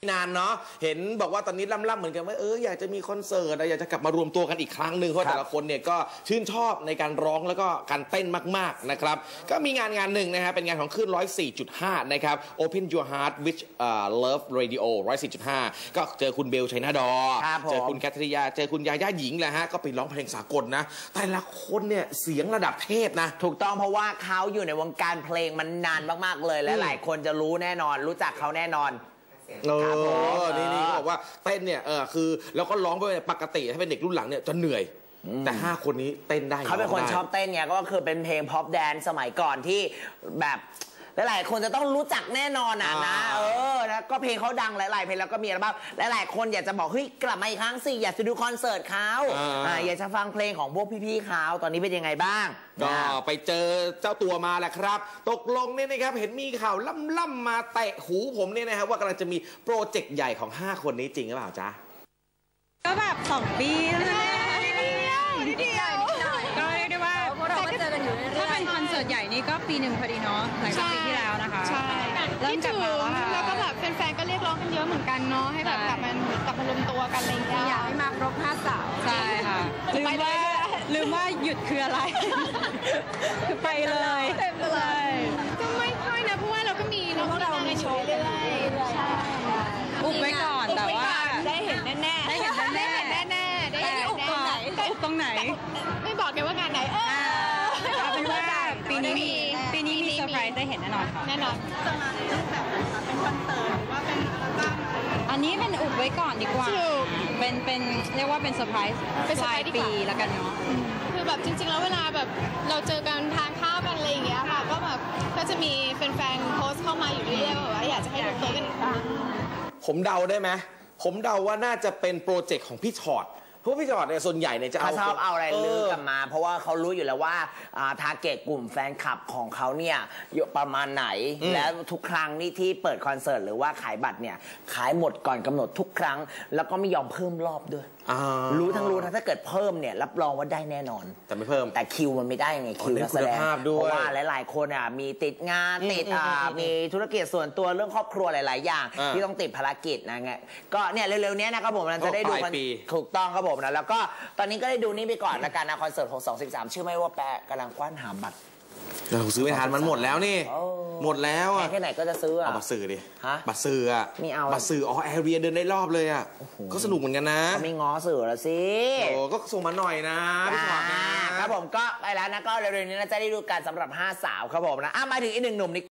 นานเนาะเห็นบอกว่าตอนนี้ล่ำๆเหมือนกันว่าอยากจะมีคอนเสิร์ตอยากจะกลับมารวมตัวกันอีกครั้งหนึ่งเพราะแต่ละคนเนี่ยก็ชื่นชอบในการร้องแล้วก็การเต้นมากๆนะครับก็มีงานหนึ่งนะฮะเป็นงานของคลื่น 104.5 นะครับ Open Your Heart with Love Radio 104.5 ก็เจอคุณเบลชัยนาดอเจอคุณแคทริยาเจอคุณยาย่าหญิงแหละฮะก็ไปร้องเพลงสากลนะแต่ละคนเนี่ยเสียงระดับเทพนะถูกต้องเพราะว่าเขาอยู่ในวงการเพลงมันนานมากๆเลยและหลายคนจะรู้แน่นอนรู้จักเขาแน่นอนนี่เขาบอกว่าเต้นเนี่ยคือแล้วก็ร้องไปปกติถ้าเป็นเด็กรุ่นหลังเนี่ยจะเหนื่อยแต่5คนนี้เต้นได้เขาเป็นคนชอบเต้นไงก็คือเป็นเพลงพ็อปแดนซ์สมัยก่อนที่แบบหลายคนจะต้องรู้จักแน่นอนนะนะก็เพลงเขาดังหลายๆเพลงแล้วก็มีอัลบั้มหลายคนอยากจะบอกเฮ้ยกลับมาอีกครั้งสิอยากจะดูคอนเสิร์ตเขาอยากจะฟังเพลงของพวกพี่ๆเขาตอนนี้เป็นยังไงบ้างก็ไปเจอเจ้าตัวมาแหละครับตกลงเนี่ยนะครับเห็นมีข่าวล่ำมาเตะหูผมเนี่ยนะครับว่ากำลังจะมีโปรเจกต์ใหญ่ของ5คนนี้จริงหรือเปล่าจ๊ะก็แบบ2 ปีแล้วนิดเดียวก็เรียกได้ว่าถ้าเป็นคอนเสิร์ตใหญ่นี่ก็ปีหนึ่งพอดีเนาะหลังจากปีที่แล้วนะคะใช่เริ่มกลับมาแล้วก็แบบแฟนๆก็เรียกร้องกันเยอะเหมือนกันเนาะให้แบบกลับมารวมตัวกันอะไรอย่างเงี้ยอยากให้มาครบ5 สาวใช่ค่ะลืมว่าหยุดคืออะไรคือไปเลยก็ไม่ค่อยนะเพราะว่าเราก็มีน้องเราในโชว์เรื่อยๆใช่อุบไว้ก่อนแต่ว่าได้เห็นแน่ได้เห็นแน่อุบตรงไหนไม่บอกกันว่างานไหนเอาเป็นว่าปีนี้มีเซอร์ไพรส์ได้เห็นแน่นอนค่ะแน่นอนจะมาในรูปแบบไหนคะเป็นคอนเสิร์ตหรือว่าเป็นอัลบั้มอันนี้เป็นอุบไว้ก่อนดีกว่าเป็นเรียกว่าเป็นเซอร์ไพรส์ปลายปีแล้วกันเนาะคือแบบจริงๆแล้วเวลาแบบเราเจอกันทานข้าวกันอะไรอย่างเงี้ยค่ะก็แบบก็จะมีแฟนๆโพสต์เข้ามาอยู่เรื่อยๆว่าอยากจะให้ดูเจอกันอีกครั้งผมเดาได้ไหมผมเดาว่าน่าจะเป็นโปรเจกต์ของพี่ชอตเพราะพี่จอดเนี่ยส่วนใหญ่เนี่ยจะชอบเอาอะไรลือกันมาเพราะว่าเขารู้อยู่แล้วว่าทาร์เก็ตกลุ่มแฟนคลับของเขาเนี่ยอยู่ประมาณไหนแล้วทุกครั้งนี่ที่เปิดคอนเสิร์ตหรือว่าขายบัตรเนี่ยขายหมดก่อนกำหนดทุกครั้งแล้วก็ไม่ยอมเพิ่มรอบด้วยรู้ถ้าเกิดเพิ่มเนี่ยรับรองว่าได้แน่นอนแต่ไม่เพิ่มแต่คิวมันไม่ได้ไงคิวนักแสดงเพราะว่าหลายๆคนมีติดงานติดมีธุรกิจส่วนตัวเรื่องครอบครัวหลายๆอย่างที่ต้องติดภารกิจนะไงก็เนี่ยเร็วๆนี้นะครับผมจะได้ดูกันถูกต้องครับผมนะแล้วก็ตอนนี้ก็ได้ดูนี่ไปก่อนละกันนะคอนเสิร์ตของ213ชื่อไม่ว่าแปะกำลังกว้านหาบัตรเราซื้อไม่ทันมันหมดแล้วนี่หมดแล้วอ่ะแค่ไหนก็จะซื้อเอาบัตรซื้อดิบัตรซื้อไม่เอาบัตรซื้อแอร์เรียเดินได้รอบเลยอ่ะก็สนุกเหมือนกันนะไม่ง้อสื่อละสิก็ส่งมาหน่อยนะพี่ชอตนะครับผมก็ไปแล้วนะก็เร็วๆนี้จะได้ดูกันสำหรับ5 สาวครับผมนะมาถึงอีก1 หนุ่มนี่